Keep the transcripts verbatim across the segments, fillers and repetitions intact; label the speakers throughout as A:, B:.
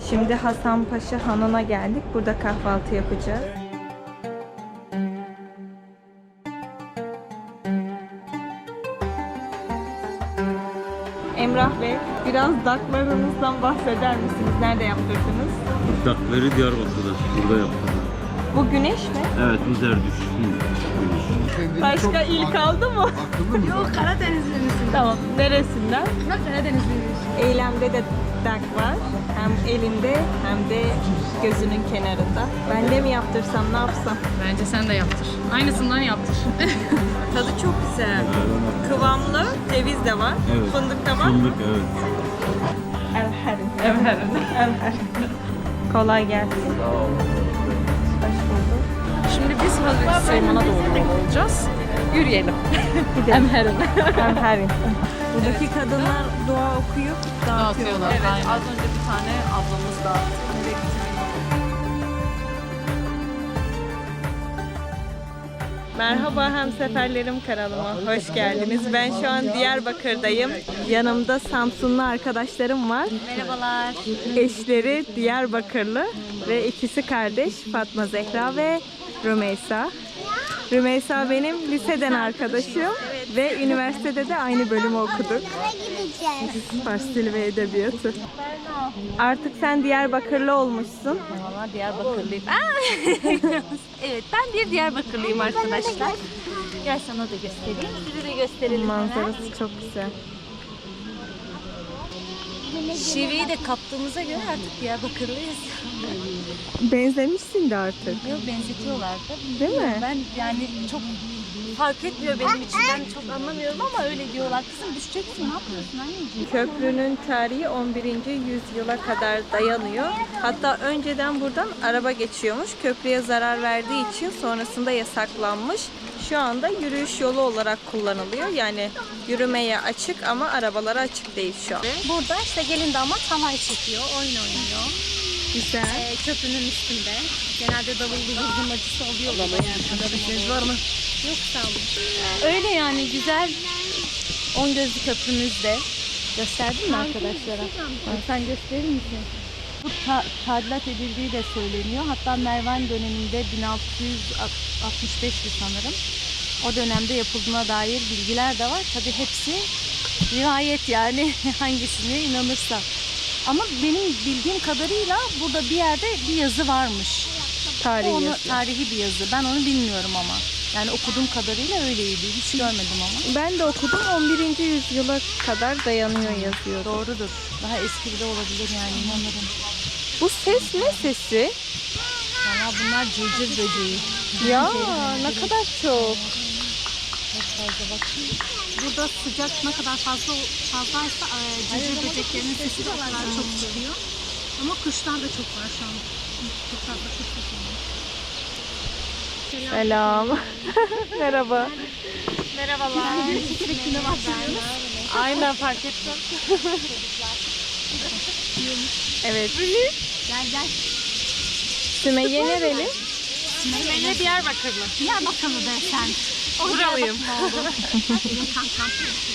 A: Şimdi Hasanpaşa Hanı'na geldik. Burada kahvaltı yapacağız. Emrah Bey, biraz daklarınızdan bahseder misiniz? Nerede yaptırdınız?
B: Dakları Diyarbakır'da, burada yaptım.
A: Bu güneş mi?
B: Evet, bu Zerdüş.
A: Başka il kaldı mı?
C: Yok, Karadenizliyiz.
A: Tamam. Neresinden?
C: Yok, Karadenizliyiz.
A: Eylemde de dak var. Hem elinde hem de gözünün kenarında. Ben de mi yaptırsam, ne yapsam?
C: Bence sen de yaptır. Aynısından yaptır.
A: Tadı çok güzel. Kıvamlı, ceviz de var.
B: Evet.
A: Fındık da var.
B: Fındık, evet.
A: Evherim.
C: Evherim.
A: Evherim. Kolay gelsin. Hoş bulduk.
C: Şimdi biz Hazreti Süleyman'a doğru yol alacağız. Yürüyelim.
A: Gidelim.
C: Emherim.
A: Evherim. Buradaki kadınlar dua okuyup dağıtıyorlar.
C: Evet, az önce bir tane ablamız dağıttı.
A: Merhaba hemseferlerim kanalıma. Hoş geldiniz. Ben şu an Diyarbakır'dayım. Yanımda Samsunlu arkadaşlarım var.
C: Merhabalar.
A: Eşleri Diyarbakırlı ve ikisi kardeş Fatma Zehra ve Rümeysa. Rümeysa benim liseden arkadaşım ve üniversitede de aynı bölümü okuduk. Fars Dili ve Edebiyatı. Artık sen Diyarbakırlı olmuşsun.
C: Valla Diyarbakırlıyım. Evet, ben bir Diyarbakırlıyım arkadaşlar. Gel sana da göstereyim. Size de gösterelim.
A: Manzarası çok güzel.
C: Şiveyi de kaptığımıza göre artık Diyarbakırlıyız.
A: Benzemişsin de artık.
C: Yok, benzetiyorlar da.
A: Değil mi?
C: Ben yani çok fark etmiyor benim için. Ben çok anlamıyorum ama öyle diyorlar. Kızım düşeceksin, ne yapıyorsun anneciğim?
A: Köprünün tarihi on birinci yüzyıla kadar dayanıyor. Hatta önceden buradan araba geçiyormuş. Köprüye zarar verdiği için sonrasında yasaklanmış. Şu anda yürüyüş yolu olarak kullanılıyor. Yani yürümeye açık ama arabalara açık değil şu an.
C: Burada işte gelin damat halay çekiyor, oyun oynuyor.
A: Güzel.
C: Ee, köprünün üstünde. Genelde davullu zurnacısı oluyorlar. Yani. Var mı? Yok, sağ olun. Öyle yani, güzel. On gözlü köprümüzde. Gösterdin mi arkadaşlara? Ha, sen gösterir misin? Bu ta tadilat edildiği de söyleniyor. Hatta Mervan döneminde bin altı yüz altmış beşti sanırım. O dönemde yapıldığına dair bilgiler de var. Tabii hepsi rivayet yani hangisine inanırsa. Ama benim bildiğim kadarıyla burada bir yerde bir yazı varmış.
A: Tarihi
C: Onu,
A: yazı.
C: tarihi bir yazı. Ben onu bilmiyorum ama. Yani okuduğum kadarıyla öyleydi. Hiç görmedim ama.
A: Ben de okudum. on birinci yüzyıla kadar dayanıyor yazıyor.
C: Doğrudur. Daha eski de olabilir yani, inanırım.
A: Bu ses ne sesi?
C: Valla bunlar cırcır böceği.
A: Ya ne kadar çok.
C: Çok fazla bakayım. Burada sıcak ne kadar fazla fazlaysa e, cırcır böceklerinin sesi de o kadar çok çıkıyor. Ama kuşlar da çok var şu an. Çok fazla kuş var.
A: Selam. Merhaba.
C: Merhabalar. Sürekli başlıyoruz.
A: Aynen, fark ettim. Evet.
C: Gel gel.
A: Sümeyye nereli?
C: Sümeyye Diyarbakırlı. Diyarbakırlı de sen. O
A: Buralıyım.
C: Benim kankam.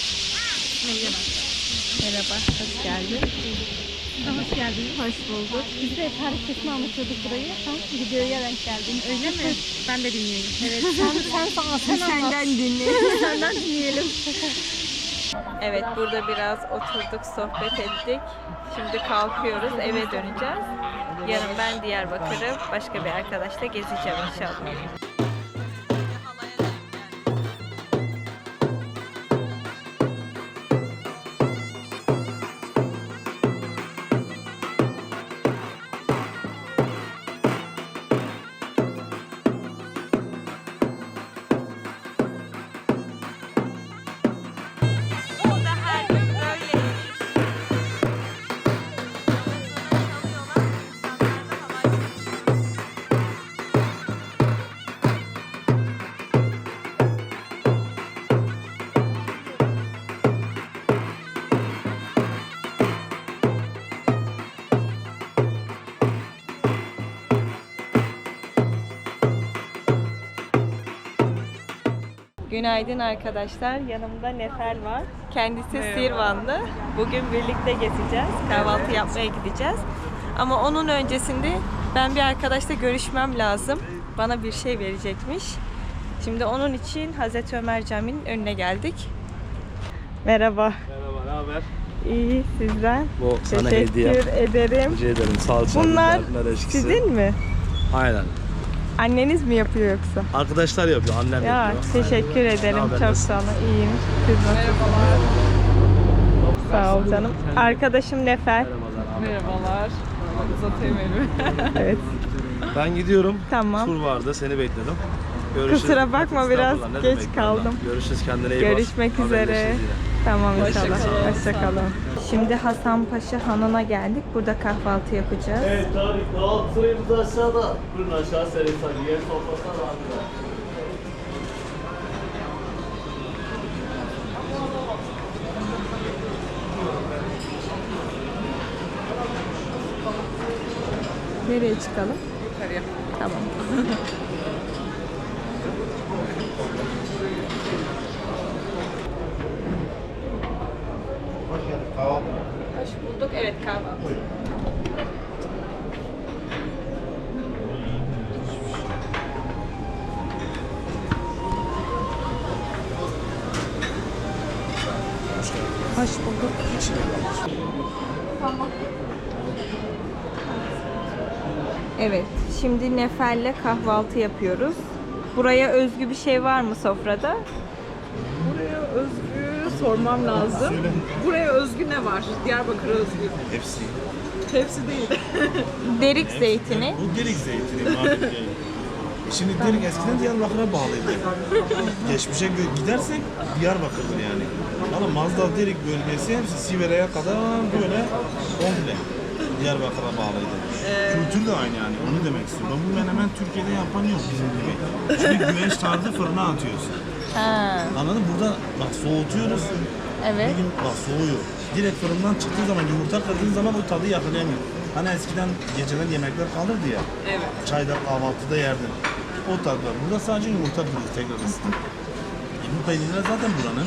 A: Merhaba, hoş geldin.
C: Hoş geldiniz.
A: Hoş bulduk.
C: Biz de tarihçesini anlatıyorduk burayı. Sen videoya denk geldin. Öyle mi? Ben de dinleyeyim. Evet. Sen, sen sana sen
A: Senden dinleyelim.
C: Senden dinleyelim.
A: Evet, burada biraz oturduk, sohbet ettik. Şimdi kalkıyoruz, eve döneceğiz. Yarın ben Diyarbakır'ı başka bir arkadaşla gezeceğim inşallah. Günaydın arkadaşlar. Yanımda Nefer var. Kendisi Sirvanlı. Bugün birlikte gezeceğiz. Kahvaltı yapmaya gideceğiz. Ama onun öncesinde ben bir arkadaşla görüşmem lazım. Bana bir şey verecekmiş. Şimdi onun için Hazreti Ömer Camii'nin önüne geldik. Merhaba.
D: Merhaba, ne haber?
A: İyi, sizden.
D: Bu sana
A: Teşekkür
D: hediye.
A: ederim.
D: Rica ederim. Salça,
A: Bunlar
D: biber, nar eşkisi.
A: sizin mi?
D: Aynen.
A: Anneniz mi yapıyor yoksa?
D: Arkadaşlar yapıyor, annem
A: Ya
D: yapıyor.
A: teşekkür ederim.
D: haber,
A: Çok
D: nasılsın?
A: sağ olun. İyiyim. Siz nasılsınız? Sağ ol canım. Arkadaşım Nefer.
E: Merhabalar. Uzatayım elimi.
A: Evet.
D: Ben gidiyorum.
A: Tamam.
D: Tur vardı, seni bekledim. Görüşürüz.
A: Kusura bakma, biraz
D: Estağfurullah, ne
A: geç
D: demek,
A: kaldım.
D: vallahi. Görüşürüz, kendine iyi bak.
A: Görüşmek üzere.
D: Haberleşiriz yine.
A: Tamam
E: Hoşça
A: inşallah.
E: kalın.
A: Hoşçakalın. Şimdi Hasanpaşa Hanı'na geldik. Burada kahvaltı yapacağız.
D: Evet, tabii. Dağıt sırayımız aşağıda. Buyurun aşağı servis hadi. Yer sofrasına da abi.
A: Nereye çıkalım?
E: Yukarıya.
A: Tamam. Hoş bulduk. Evet, kahvaltı. Hoş bulduk. Evet, şimdi Nefer'le kahvaltı yapıyoruz. Buraya özgü bir şey var mı sofrada?
E: Buraya özgü sormam lazım. Buraya özgü ne var? Diyarbakır'a özgü.
F: Hepsi.
E: Hepsi değil.
A: Derik zeytini.
F: Bu Derik zeytini. Mardin değil. Şimdi Derik eskiden Diyarbakır'a bağlıydı. Geçmişe gö- gidersek Diyarbakır'dır yani. Ama Mazda Derik bölgesi hepsi Sivere'ye kadar böyle komple Diyarbakır'a bağlıydı. Kültür de aynı yani, onu demek istiyorum. Bu menemen Türkiye'de yapan yok bizim gibi. Şimdi güveç tarzı fırına atıyorsun.
A: Ha,
F: Anladın mı? Burada bak soğutuyoruz.
A: evet.
F: Bir gün bak soğuyor. Direkt fırından çıktığı zaman, yumurta kırdığın zaman o tadı yakalayamıyor. Hani eskiden geceden yemekler kalırdı ya.
E: Evet.
F: Çayda, kahvaltıda yerdin. O tat var. Burada sadece yumurta kırıyoruz tekrar ısıtıp. E bu peynirler zaten buranın.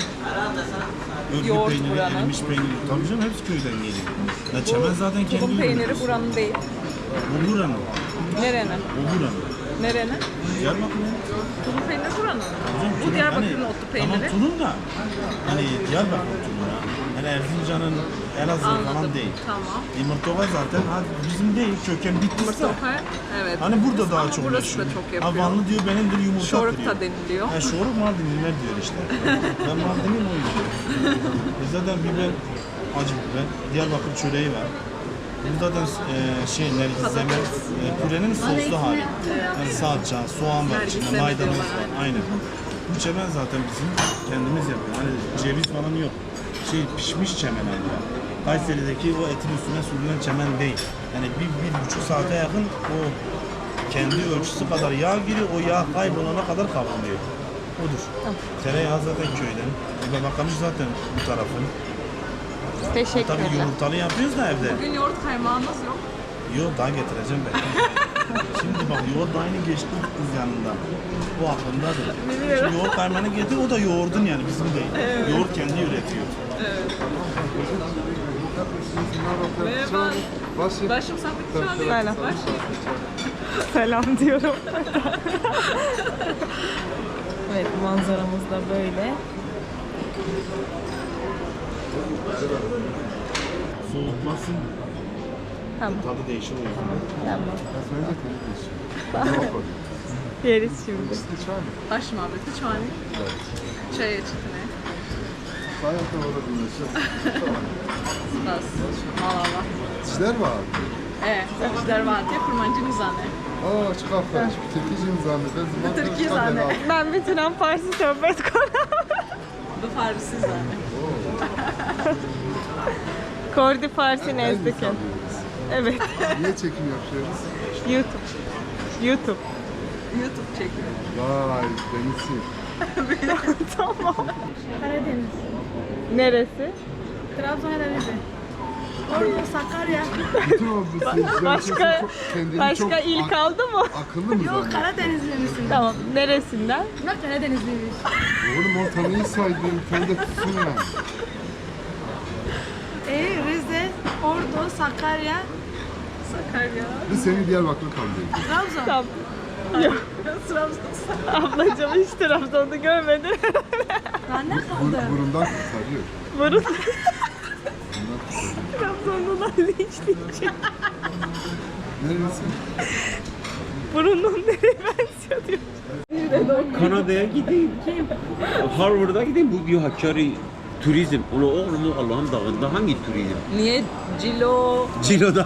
F: Örgü
E: Yoğurt
F: peyniri,
E: buranın.
F: erimiş peyniri. Tabii canım hepsi köyden geliyor. Ya çemen zaten kendi
E: Tulum peyniri
F: ürünü.
E: buranın değil.
F: Bu buranın.
E: Nerenin?
F: O buranın.
E: Nerenin?
F: Diyarbakır'ın.
E: Tulum peyniri buranın.
F: Hocam,
E: Bu
F: tulum
E: Diyarbakır'ın
F: hani-
E: otlu
F: Tamam
E: peyniri.
F: tulum da. Hani Diyarbakır tulumu ya. Hani Erzincan'ın, Elazığ falan
E: Anladım.
F: değil.
E: Tamam.
F: Yumurtova zaten ha, bizim değil, köken bittiyse.
E: Yumurta evet.
F: Hani burada daha
E: Ama
F: çok
E: burası da
F: meşhur.
E: çok
F: Ha
E: yapıyor.
F: Vanlı diyor benimdir yumurta
E: Şoruk
F: kırıyor.
E: da deniliyor.
F: Ha şoruk Mardinliler diyor işte. Ben Mardinliyim o yüzden. E zaten biber, acı biber, Diyarbakır çöreği var. Burada da e, şey, nergizleme, e, pürenin soslu hali. Yani salça, soğan var içinde,
E: Nergizleme
F: maydanoz
E: diyorlar,
F: var. Aynen. Bu çemen zaten bizim kendimiz yapıyoruz. Hani ceviz falan yok. Şey pişmiş çemen yani. Kayseri'deki o etin üstüne sürülen çemen değil. Yani bir, bir buçuk saate yakın o kendi ölçüsü kadar yağ giriyor, o yağ kaybolana kadar kavruluyor. Odur. Tereyağı zaten köyden. E babakanız zaten bu tarafın. Tabii
A: Teşekkürler.
F: yumurtalı yapıyoruz da evde.
E: Bugün yoğurt kaymağınız yok.
F: Yoğurt daha getireceğim ben. Şimdi bak yoğurt aynı geçti kız yanından. Bu aklımdadır. Şimdi yoğurt kaymağını getir, o da yoğurdun yani bizim değil. Yoğurt kendi üretiyor.
E: Merhaba. Başım sen bir şu an değil.
A: Selam.
E: Baş.
A: Selam diyorum. Evet, manzaramız da böyle.
F: Soğutmasın,
A: Tamam,
F: tadı değişir o yüzden.
A: tamam. Yeriz şimdi.
E: Baş muhabbeti şu an. Çay içtine. Bas. Malala.
G: Sizler var.
E: Evet. Sizler var diye kurmancı zannı.
G: Aa çıkartlar. Türkiye'cim zanneder.
E: Türkiye zannı.
A: Ben bir Turan Farsi sohbet kuruyorum.
E: Bu Farisi zannı.
A: Kordi Farsi nezdikin. Evet,
G: Niye çekim yapıyoruz?
A: YouTube. YouTube.
E: YouTube çekiyor.
G: Vay denizsin.
A: Tamam.
H: Karadeniz.
A: Neresi?
H: Trabzon Karadeniz. Ordu, Sakarya.
G: Bütün o bu seyirciler
A: Başka
G: çok, kendini
A: başka
G: çok
A: il
G: ak-
A: kaldı mı?
G: akıllı mı
H: Yok
G: zannediyor?
H: Karadenizli misin?
A: Tamam, neresinden?
H: Bunlar Karadenizliymiş.
G: Oğlum ortalığı saydın. Sen de tutsun yani.
H: E, Rize, Ordu, Sakarya,
E: Sakarya.
G: Biz seni Diyarbakır'a kaldırıyoruz.
E: Trabzon.
A: Tamam.
E: Trabzon.
A: Ablacığım hiç Trabzon'da görmedim.
E: Ben ne
G: Bur,
E: kaldı?
G: burundan kurtarıyor.
A: Burun
G: Burundan kurtarıyor.
A: Trabzonlular linçleyecek.
G: Neresi?
A: Burunun nereye benziyor diyor.
B: Kanada'ya gideyim. Harvard'a gideyim. Bu diyor Hakkari turizm. Onu oğlum Allah'ın dağında hangi turizm?
E: Niye Cilo?
B: Cilo'da.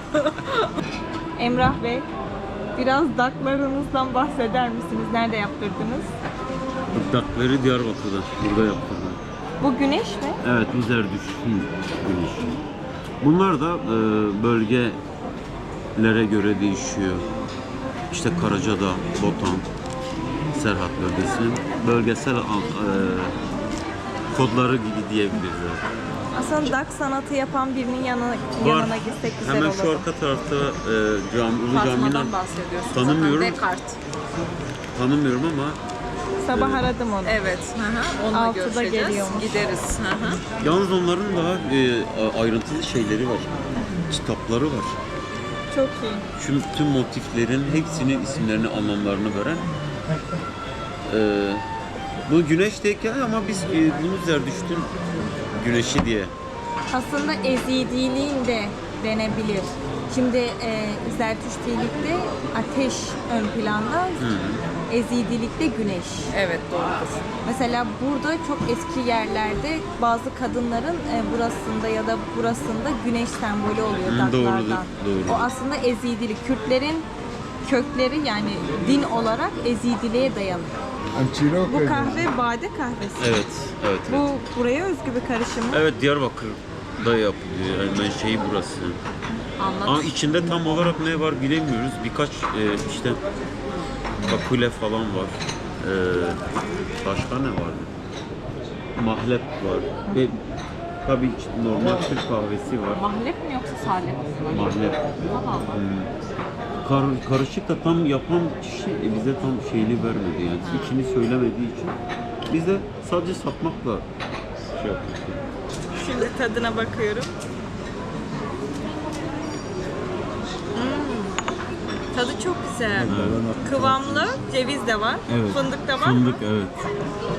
A: Emrah Bey, biraz daklarınızdan bahseder misiniz? Nerede yaptırdınız?
B: Dakları Diyarbakır'da. Burada yaptırdım.
A: Bu güneş mi?
B: Evet, bu Zerdüşt'ün güneşi. Bunlar da e, bölgelere göre değişiyor. İşte Karacadağ, Botan, Serhat bölgesinin bölgesel al- e, kodları gibi diyebiliriz.
A: Aslında dak sanatı yapan birinin yanına,
B: Var.
A: yanına gitsek güzel
B: Hemen
A: olur.
B: şu arka tarafta e, cami, Ulu Cami'den
E: Fatma'dan bahsediyorsun.
B: tanımıyorum.
E: Zaten Descartes.
B: tanımıyorum ama
A: Sabah aradım onu.
E: Evet. Hı hı. Onunla
A: Altıda
E: görüşeceğiz.
A: geliyormuş.
E: Gideriz. Hı hı.
B: yalnız onların daha e, ayrıntılı şeyleri var. Kitapları var.
A: Çok iyi.
B: Şu tüm motiflerin hepsinin isimlerini, anlamlarını veren. E, bu güneş de hikaye ama biz e, bunu Zerdüşt'ün güneşi diye.
A: Aslında ezidiliğin de denebilir. Şimdi e, Zertüştilikte ateş ön planda, ezidilikte güneş.
E: Evet, doğrudur.
A: Mesela burada çok eski yerlerde bazı kadınların e, burasında ya da burasında güneş sembolü oluyor
B: Hı,
A: daklardan.
B: doğrudur, doğrudur.
A: O aslında ezidilik. Kürtlerin kökleri yani din olarak ezidiliğe dayanıyor.
G: Amçiro
A: Bu kahve bade kahvesi.
B: Evet, evet, evet.
A: Bu buraya özgü bir karışım mı?
B: Evet, Diyarbakır'da yapılıyor. Yani ben şeyi burası.
E: Anlat.
B: Ama içinde tam olarak ne var bilemiyoruz. Birkaç e, işte kakule falan var. E, başka ne vardı? Mahlep var. Ve tabii ki normal Türk kahvesi var.
E: Mahlep mi yoksa salep mi?
B: Mahlep.
E: Allah Allah.
B: Hmm. Kar, karışık da tam yapan kişi e, bize tam şeyini vermedi yani. İçini söylemediği için. Biz de sadece satmakla şey yaptık.
A: Şimdi tadına bakıyorum. Hmm. Tadı çok güzel. Kıvamlı, ceviz de var.
B: Evet.
A: Fındık da var
B: Fındık,
A: mı?
B: evet.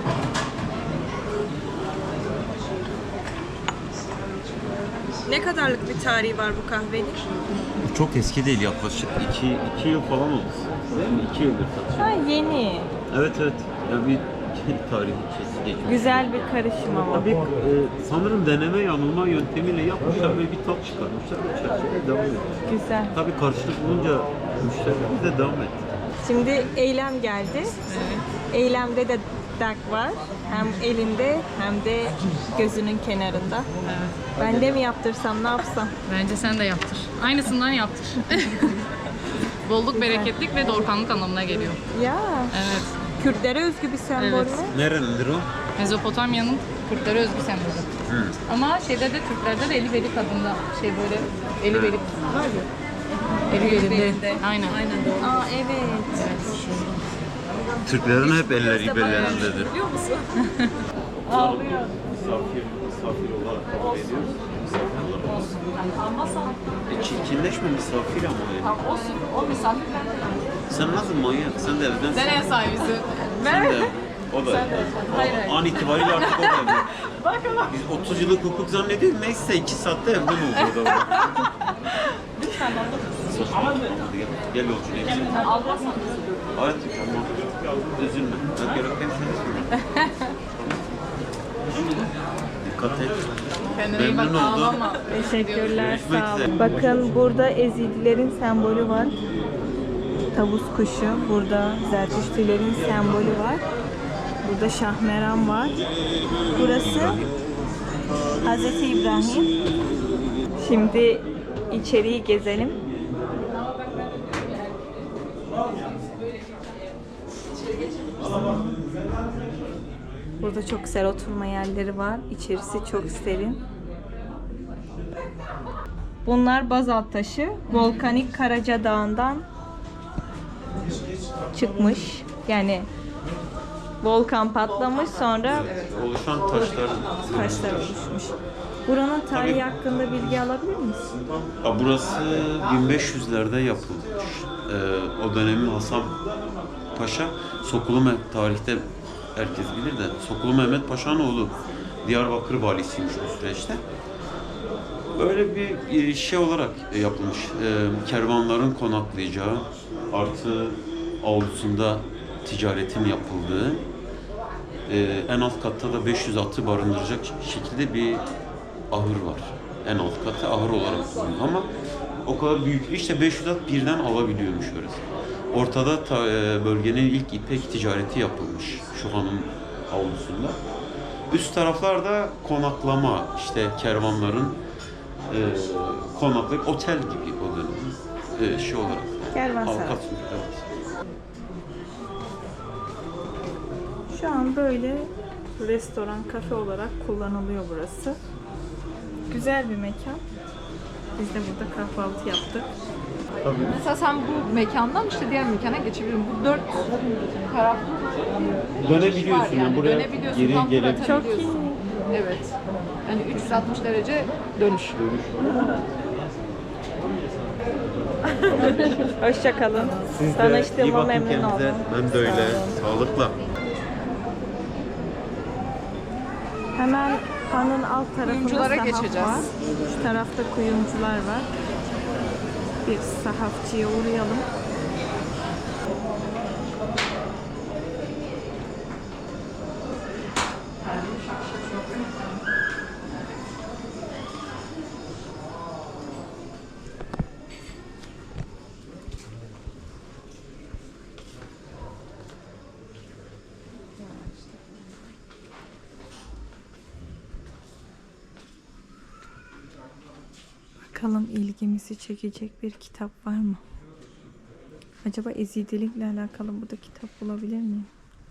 A: Ne kadarlık bir tarihi var bu kahvenin?
B: Çok eski değil, yaklaşık iki, iki yıl falan oldu. iki yıldır satıyor.
A: Ha, yeni.
B: Evet evet. Yani bir tarihi kesi geçmiş.
A: Güzel bir karışım ama.
B: Tabii e, sanırım deneme yanılma yöntemiyle yapmışlar ve bir tat çıkarmışlar. Bu çerçeveye devam ediyor.
A: Güzel.
B: Tabii karşılık bulunca müşterimiz de devam etti.
A: Şimdi eylem geldi. Eylemde de dak var. Hem elinde hem de gözünün kenarında. Ben de mi yaptırsam, ne yapsam?
I: Bence sen de yaptır. Aynısından yaptır. Bolluk, bereketlik ve doğurganlık anlamına geliyor.
A: Ya,
I: Evet.
A: Kürtlere özgü bir sembol
I: Evet.
A: mü?
B: Nerenindir o?
I: Mezopotamya'nın Kürtlere özgü sembolü.
B: Hı.
I: Ama şeyde de Türklerde de eli beli kadında şey böyle eli beli var ya. Eli belinde. Aynen. Aynen doğru.
A: Aa evet.
B: Türklerin hep elleri belerindedir.
E: Biliyor musun?
A: Ağlıyor.
B: Misafir, misafir olarak kabul ediyoruz. Misafir olarak. E, çirkinleşme misafir ama ya.
I: Olsun. O misafirler.
B: Sen nasıl manyak? Sen de evden
I: Sen ev sahibisin.
B: Sen de. O da.
I: Hayır, hayır.
B: An itibariyle artık o da evde. Biz otuz yıllık hukuk zannediyoruz. Neyse iki saatte evde mi oluyor da?
I: Lütfen anlatın.
B: Hadi gel, gel yolcu ne güzel.
I: Almazsan.
B: Hayır, tamam. Üzülme. Ben gerekten seni söyleyeyim. Dikkat et.
I: Kendine iyi bak,
B: Memnun oldum.
I: ağlama.
A: Teşekkürler,
B: Görüşmek
A: sağ
B: üzere.
A: olun. Bakın burada Ezidilerin sembolü var. Tavus kuşu. Burada Zertüştülerin sembolü var. Burada Şahmeran var. Burası Hazreti İbrahim. Şimdi içeriği gezelim. Burada çok güzel oturma yerleri var. İçerisi çok serin. Bunlar bazalt taşı. Volkanik Karaca Dağı'ndan çıkmış. Yani volkan patlamış, sonra
B: Oluşan taşlar.
A: taşlar oluşmuş. Buranın tarihi hakkında bilgi alabilir miyiz?
B: Ya burası bin beş yüzlerde yapılmış. Ee, o dönemin Hasan Paşa, Sokulu Mehmet, tarihte herkes bilir de Sokulu Mehmet Paşa'nın oğlu. Diyarbakır valisiymiş o süreçte. Böyle bir şey olarak yapılmış. Ee, kervanların konaklayacağı, artı avlusunda ticaretin yapıldığı, ee, en alt katta da beş yüz atı barındıracak şekilde bir ahır var. En alt katı ahır olarak kullanılıyor ama o kadar büyük. İşte beş yüz at birden alabiliyormuş orası. Ortada ta, e, bölgenin ilk ipek ticareti yapılmış şu hanın avlusunda. Üst taraflarda konaklama, işte kervanların e, konaklayıp otel gibi o dönem e, şey olarak.
A: Kervansaray.
B: Avukat, evet.
A: Şu an böyle restoran, kafe olarak kullanılıyor burası. Güzel bir mekan. Biz de burada kahvaltı yaptık.
E: Mesela sen bu mekandan işte diğer mekana geçebilirsin. Bu dört taraflı
B: Dönebiliyorsun
E: yani.
B: buraya
E: Dönebiliyorsun,
B: geri
E: tam tur
B: gelip
E: atabiliyorsun. Evet. Yani üç yüz altmış derece dönüş.
A: Hoşça kalın.
B: Siz de iyi
A: Tanıştığıma
B: bakın
A: memnun
B: kendinize.
A: oldum.
B: Ben de öyle. Sağlıkla.
A: Hemen hanın alt tarafında
E: Kuyumculara
A: sahaf
E: geçeceğiz.
A: var. Şu tarafta kuyumcular var. Bir sahafçıya uğrayalım. Bakalım ilgimizi çekecek bir kitap var mı? Acaba Ezidilikle alakalı burada kitap bulabilir miyim?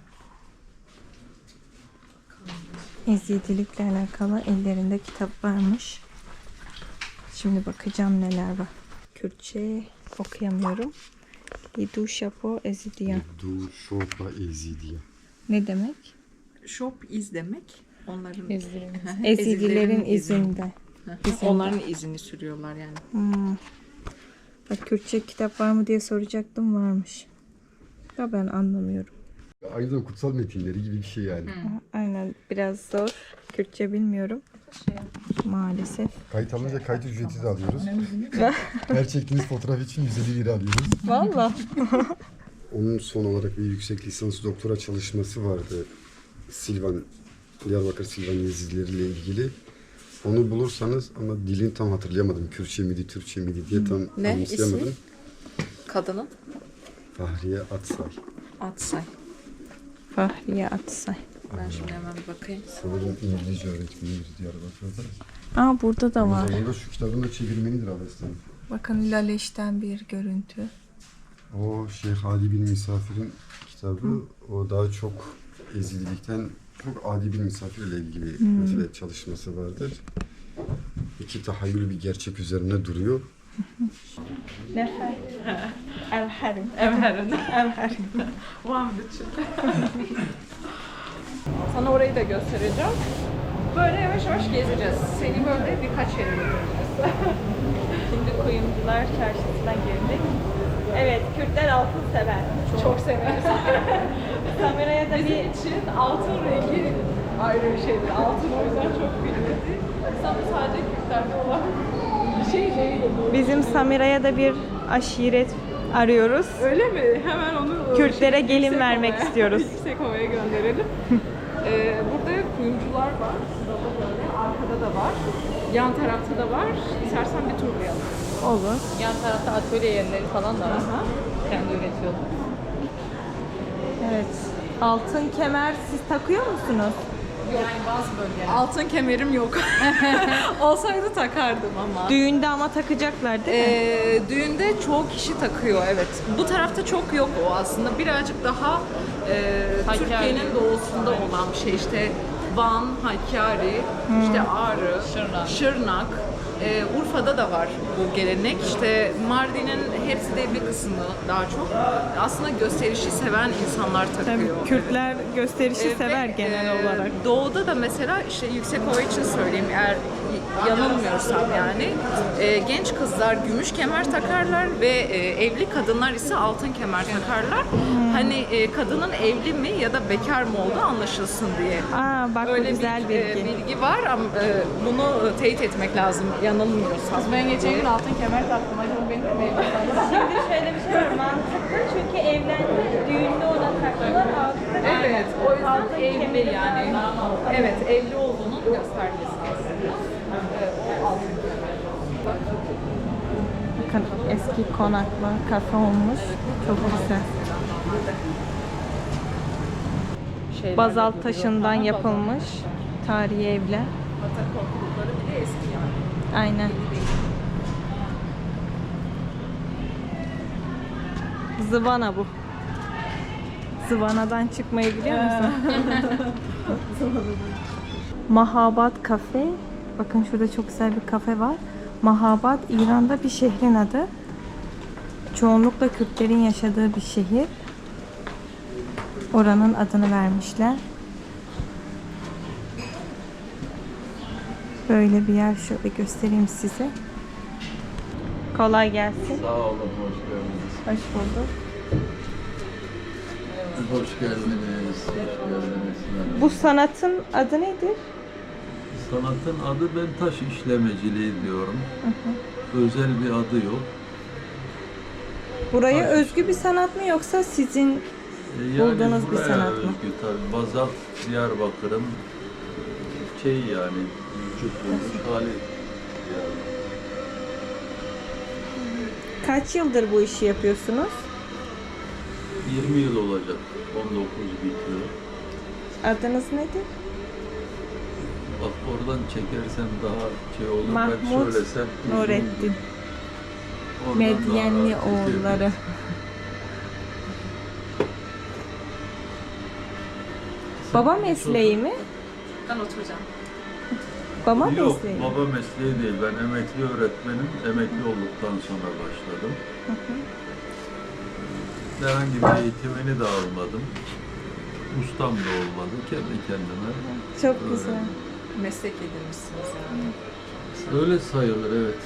A: Ezidilikle alakalı ellerinde kitap varmış. Şimdi bakacağım neler var. Kürtçe okuyamıyorum. Lidu Şapo Ezidiyan.
G: Du şopa ezidiye.
A: Ne demek?
E: Shop iz demek. Onların
A: Ezidilerin izinde. İzinde.
E: Onların izini sürüyorlar yani.
A: Hmm. Bak Kürtçe kitap var mı diye soracaktım, varmış. Ya ben anlamıyorum.
G: Aynı zamanda kutsal metinleri gibi bir şey yani.
A: Aynen, biraz zor. Kürtçe bilmiyorum. Maalesef.
G: Kayıt alınca kayıt ücreti de alıyoruz. Her çektiğiniz fotoğraf için yüz elli lira alıyoruz.
A: Vallahi.
G: Onun son olarak bir yüksek lisans doktora çalışması vardı. Silvan, Diyarbakır Silvan Yezidileriyle ilgili. Onu bulursanız, ama dilini tam hatırlayamadım. Kürtçe miydi, Türkçe miydi diye tam
E: Ne
G: anımsayamadım.
E: ismi? Kadının?
G: Fahriye Atsay.
E: Atsay.
A: Fahriye Atsay.
E: Ben şimdi hemen bir bakayım.
G: Sanırım İngilizce öğretmeniydi Diyarbakır'da.
A: Aa, burada da var.
G: Aynı zamanda şu kitabın da çevirmenidir Avestan.
A: Bakın Laleş'ten bir görüntü.
G: O Şeyh Adi bin Misafir'in kitabı. O daha çok Ezidilikten çok Adi bin Misafir ile ilgili mesela çalışması vardır. İki tahayyül bir gerçek üzerine duruyor.
A: Nefer. Evherim.
E: Evherin.
A: Evherim.
E: Sana orayı da göstereceğim. Böyle yavaş yavaş gezeceğiz. Seni böyle birkaç yere götüreceğiz.
A: Şimdi Kuyumcular Çarşısı'na girdik. Evet, Kürtler altın sever.
E: Çok severiz.
A: Kameraya da
E: Bizim
A: bir
E: için altın rengi ayrı bir şeydir. Altın o yüzden çok bilinirdi. Sana sadece Kürtlerde olan bir şey değil.
A: bizim Samira'ya da bir aşiret arıyoruz.
E: Öyle mi? Hemen onu
A: Kürtlere
E: şey,
A: gelin
E: yüksek
A: vermek
E: havaya-
A: istiyoruz.
E: Yüksek havaya gönderelim. ee, burada kuyumcular var. Sırada böyle. Arkada da var. Yan tarafta da var. İstersen bir turlayalım.
A: Olur.
I: Yan tarafta atölye yerleri falan da var. Kendi üretiyorlar.
A: Evet. Altın kemer siz takıyor musunuz?
I: Yani bazı bölgeler.
E: Altın kemerim yok. Olsaydı takardım ama.
A: Düğünde ama takacaklar değil mi?
E: Ee, düğünde çoğu kişi takıyor, evet. Bu tarafta çok yok o aslında. Birazcık daha e,
I: Hakkari.
E: Türkiye'nin doğusunda olan bir şey. İşte Van, Hakkari, işte Ağrı,
I: Şırnak.
E: Şırnak. Ee, Urfa'da da var bu gelenek. İşte Mardin'in hepsi de bir kısmı daha çok aslında gösterişi seven insanlar takıyor.
A: Tabii Kürtler gösterişi
E: Ee,
A: sever
E: ve,
A: genel
E: e,
A: olarak.
E: Doğuda da mesela işte Yüksekova için söyleyeyim eğer yanılmıyorsam yani e, genç kızlar gümüş kemer takarlar ve e, evli kadınlar ise altın kemer takarlar. Hani e, kadının evli mi ya da bekar mı olduğu anlaşılsın diye.
A: Aa bak bu
E: Öyle
A: güzel
E: bir e,
A: bilgi.
E: bilgi var ama e, bunu teyit etmek lazım yanılmıyorsam.
I: Ben geçen gün altın kemer taktım. Acaba benim de meyve
C: Şimdi şöyle bir şey var mantıklı çünkü evlendi, düğünde ona taktılar altında.
E: Evet, o yüzden
C: Altın
E: evli
C: kemeri
E: yani. Evet, evli olduğunun göstergesi aslında. Evet, o altın kemer.
A: Bakın eski konaklı kafe olmuş. Çok güzel.
E: Şeyler
A: Bazalt
E: de
A: taşından
E: duruyor.
A: yapılmış tarihi evler.
E: Batak korkulukları bir de eski yani.
A: Aynen. Zıvana bu. Zıvanadan çıkmayı biliyor musun? Mahabat Kafe. Bakın şurada çok güzel bir kafe var. Mahabat İran'da bir şehrin adı. Çoğunlukla Kürtlerin yaşadığı bir şehir. Oranın adını vermişler. Böyle bir yer şöyle göstereyim size. Kolay gelsin.
J: Sağ olun, hoş geldiniz.
A: Hoş bulduk.
J: Hoş geldiniz, hoş geldiniz.
A: Bu sanatın adı nedir?
J: Sanatın adı ben taş işlemeciliği diyorum. Özel bir adı yok.
A: Buraya
J: Taş.
A: özgü bir sanat mı yoksa sizin
J: E,
A: bulduğunuz bir
J: buraya
A: sanat mı?
J: özgü tabii. Bazalt Diyarbakır'ın şey yani vücut bulmuş hali. Yani.
A: Kaç yıldır bu işi yapıyorsunuz?
J: yirmi yıl olacak. on dokuz bitiyor.
A: Adınız nedir?
J: Bak oradan çekersem daha şey olur. Ben
A: Mahmut
J: söylesem.
A: Nurettin.
J: Oradan
A: Medyenli
J: daha rahat çekerim.
A: oğulları. Baba mesleği mi?
E: Ben oturacağım.
A: Baba
J: Yok,
A: mesleği mi?
J: baba mesleği değil. Ben emekli öğretmenim. Emekli olduktan sonra başladım. Herhangi bir eğitimini de almadım. Ustam da olmadı. Kendi kendime.
A: Çok
J: öğrendim.
A: güzel.
E: Meslek edinmişsiniz yani.
J: Öyle sayılır, evet.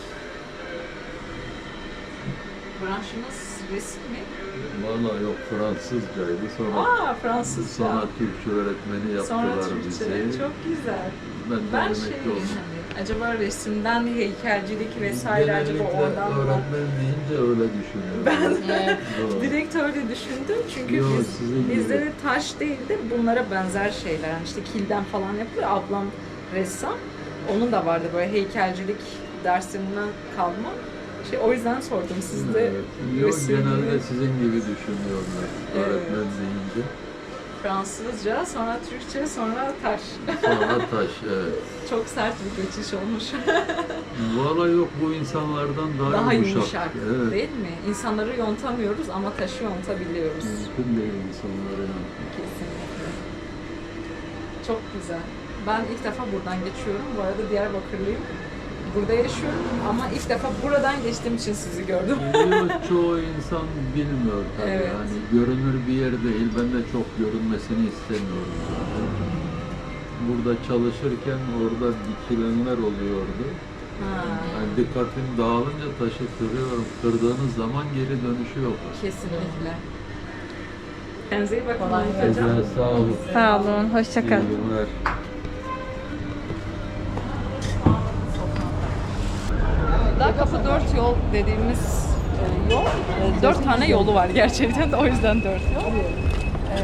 E: Branşınız resim mi?
J: Vallahi yok, Fransızcaydı. Sonra
E: Aa, Fransızca.
J: sonra Türkçe öğretmeni yaptılar
E: Sonra Türkçe.
J: bizi.
E: Çok güzel.
J: Ben, de
E: Ben
J: emekli
E: şey
J: oldum.
E: hani, acaba resimden heykelcilik vesaire acaba
J: Genellikle
E: oradan mı?
J: öğretmen deyince öyle düşünüyorum.
E: Ben
J: Doğru.
E: direkt öyle düşündüm çünkü
J: Yo,
E: biz,
J: sizin gibi.
E: bizde de taş değil de bunlara benzer şeyler. Yani işte kilden falan yapılıyor. Ablam ressam. Onun da vardı böyle heykelcilik dersinden kalma. Şey, o yüzden sordum sizde.
J: Evet. Yok,
E: resim-
J: genelde sizin gibi düşünüyorlar
E: Evet.
J: öğretmen deyince.
E: Fransızca, sonra Türkçe, sonra taş.
J: Sonra taş, evet.
E: Çok sert bir geçiş olmuş.
J: Vallahi yok, bu insanlardan daha,
E: Daha
J: yumuşak.
E: yumuşak
J: Evet.
E: değil mi? İnsanları yontamıyoruz ama taşı yontabiliyoruz.
J: Mümkün değil insanların.
E: Kesinlikle. Çok güzel. Ben ilk defa buradan geçiyorum. Bu arada Diyarbakırlıyım. Burada yaşıyorum ama ilk defa buradan geçtiğim için sizi gördüm.
J: Yok, çoğu insan bilmiyor tabii.
E: Evet.
J: Yani görünür bir yer değil. Ben de çok görünmesini istemiyorum zaten. Burada çalışırken orada dikilenler oluyordu.
E: Ha,
J: Yani dikkatim dağılınca taşı kırıyorum. Kırdığınız zaman geri dönüşü yok.
E: kesinlikle. Kendinize iyi bakın.
J: Güzel, sağ olun.
A: Sağ olun. Hoşça
J: İyi
A: kalın.
J: günler.
E: Daha kapı dört yol dediğimiz e, yol, e, dört tane yolu var gerçekten de o yüzden dört yol. E,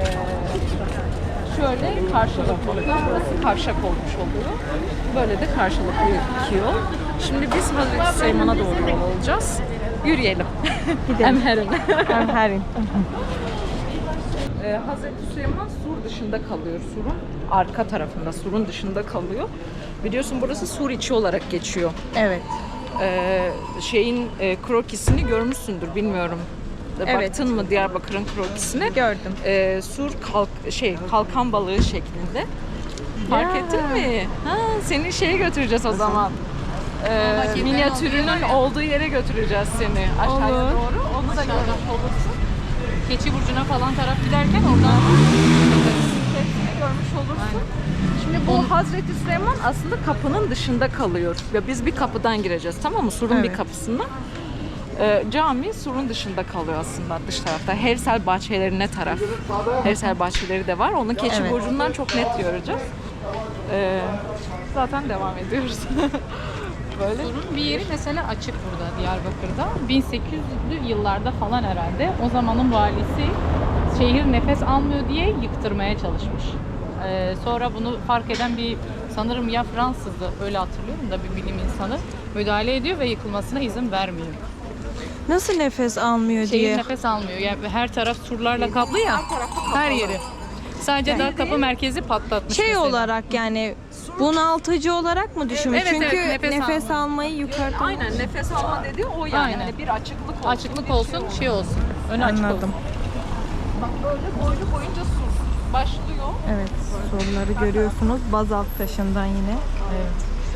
E: şöyle karşılıklı oluyor, burası kavşak olmuş oluyor. Böyle de karşılıklı iki yol. Şimdi biz Hazreti Süleyman'a doğru yol alacağız. Yürüyelim.
A: Gidelim.
E: Emherim.
A: Emherim.
E: Ee, Hazreti Süleyman sur dışında kalıyor. Surun arka tarafında, surun dışında kalıyor. Biliyorsun burası sur içi olarak geçiyor.
A: Evet.
E: Ee, şeyin e, krokisini görmüşsündür, bilmiyorum.
A: Evet.
E: Baktın mı Diyarbakır'ın krokisine?
A: Gördüm.
E: Ee, sur kalk şey kalkan balığı şeklinde. Fark
A: Ya.
E: ettin mi? Ha, seni şeye götüreceğiz o zaman. e, minyatürünün olduğu yere götüreceğiz seni aşağıya
A: Olur.
E: doğru. Onu da görmüş olursun.
I: Keçi Burcu'na falan taraf giderken oradan
E: Hepsini görmüş olursun. Şimdi bu Hazreti Süleyman aslında kapının dışında kalıyor. Ya biz bir kapıdan gireceğiz, tamam mı? Surun bir
A: Evet.
E: kapısından. Ee, cami surun dışında kalıyor aslında, dış tarafta. Hersel bahçelerine taraf. Hersel bahçeleri de var. Onun Keçi
A: Evet.
E: Burcu'ndan çok net göreceğiz. Ee, zaten devam ediyoruz. Böyle.
I: Surun bir yeri mesela açık burada Diyarbakır'da. bin sekiz yüzlü yıllarda falan herhalde. O zamanın valisi şehir nefes almıyor diye yıktırmaya çalışmış. Ee, sonra bunu fark eden bir sanırım ya Fransızdı, öyle hatırlıyorum da bir bilim insanı müdahale ediyor ve yıkılmasına izin vermiyor.
A: Nasıl nefes almıyor
I: Şehir
A: diye.
I: nefes almıyor. Yani her taraf surlarla kaplı ya. Her yeri. Sadece Dağ Kapı merkezi patlatmış
A: Şey
I: mesela.
A: olarak yani bunaltıcı olarak mı düşünmüş?
I: Evet,
A: Çünkü
I: evet, nefes
A: nefes,
I: alma.
A: almayı yukarıda.
E: Aynen, nefes alma dediği o yani.
I: Aynen.
E: Hani bir açıklık olsun.
I: Açıklık
E: bir
I: olsun, şey olsun. Önü açık
A: Anladım.
I: olsun.
E: Bak böyle boylu boyunca sur başlıyor.
A: Evet, soruları görüyorsunuz. Bazalt taşından yine.
I: Evet.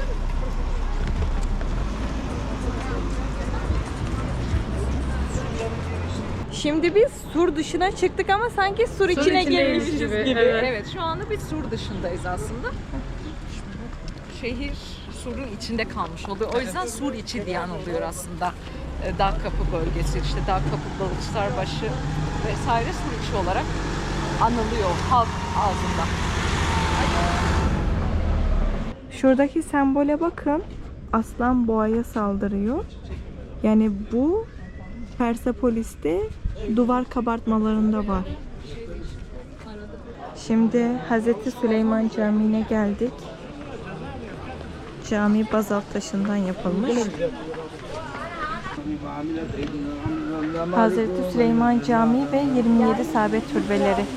A: Şimdi biz sur dışına çıktık ama sanki sur, içine
I: içindeyiz
A: girmişiz
I: gibi,
A: gibi.
I: evet.
E: Evet, şu anda bir sur dışındayız aslında. Şehir surun içinde kalmış oluyor. O yüzden sur içi diyen oluyor aslında. Ee, Dağ Kapı bölgesi, işte Dağ Kapı, Balıkçılarbaşı vesaire sur içi olarak anılıyor halk ağzında.
A: Şuradaki sembole bakın. Aslan boğaya saldırıyor. Yani bu Persepolis'te duvar kabartmalarında var. Şimdi Hazreti Süleyman Camii'ne geldik. Cami bazalt taşından yapılmış. Hazreti Süleyman Camii ve yirmi yedi Saabet Türbeleri.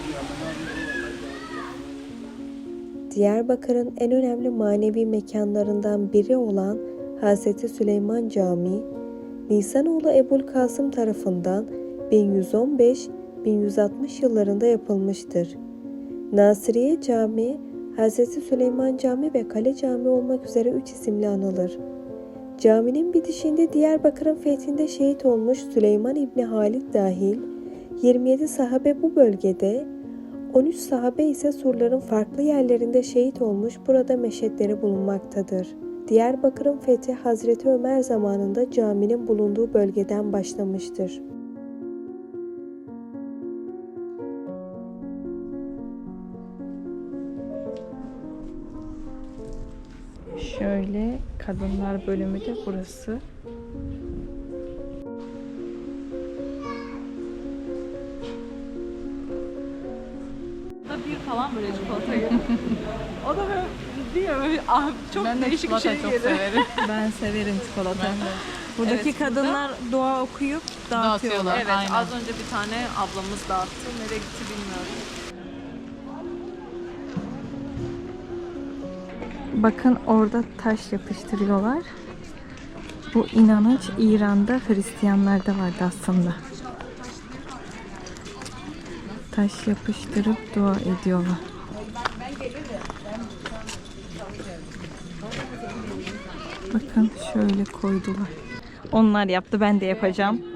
K: Diyarbakır'ın en önemli manevi mekanlarından biri olan Hazreti Süleyman Camii, Nisanoğlu Ebu'l-Kasım tarafından bin yüz on beş bin yüz altmış yıllarında yapılmıştır. Nasiriye Camii, Hazreti Süleyman Camii ve Kale Camii olmak üzere üç isimle anılır. Caminin bitişinde Diyarbakır'ın fethinde şehit olmuş Süleyman İbni Halid dahil yirmi yedi sahabe bu bölgede, on üç sahabe ise surların farklı yerlerinde şehit olmuş, burada meşetleri bulunmaktadır. Diyarbakır'ın fethi Hazreti Ömer zamanında caminin bulunduğu bölgeden başlamıştır.
A: Şöyle kadınlar bölümü de burası.
E: Da bir falan böyle çikolatayı. O da böyle diyor böyle ah, çok
I: Ben de
E: değişik bir
I: çikolata
E: şey
I: çok
E: yedi.
I: severim.
A: Ben severim çikolata.
I: Ben de.
A: Buradaki
E: Evet, burada-
A: kadınlar dua okuyup dağıtıyorlar.
I: Dağıtıyorlar.
E: Evet,
I: Aynen.
E: az önce bir tane ablamız dağıttı. Nereye gitti bilmiyorum.
A: Bakın orada taş yapıştırıyorlar. Bu inanış İran'da Hristiyanlarda vardı aslında. Taş yapıştırıp dua ediyorlar. Bakın şöyle koydular. Onlar yaptı, ben de yapacağım.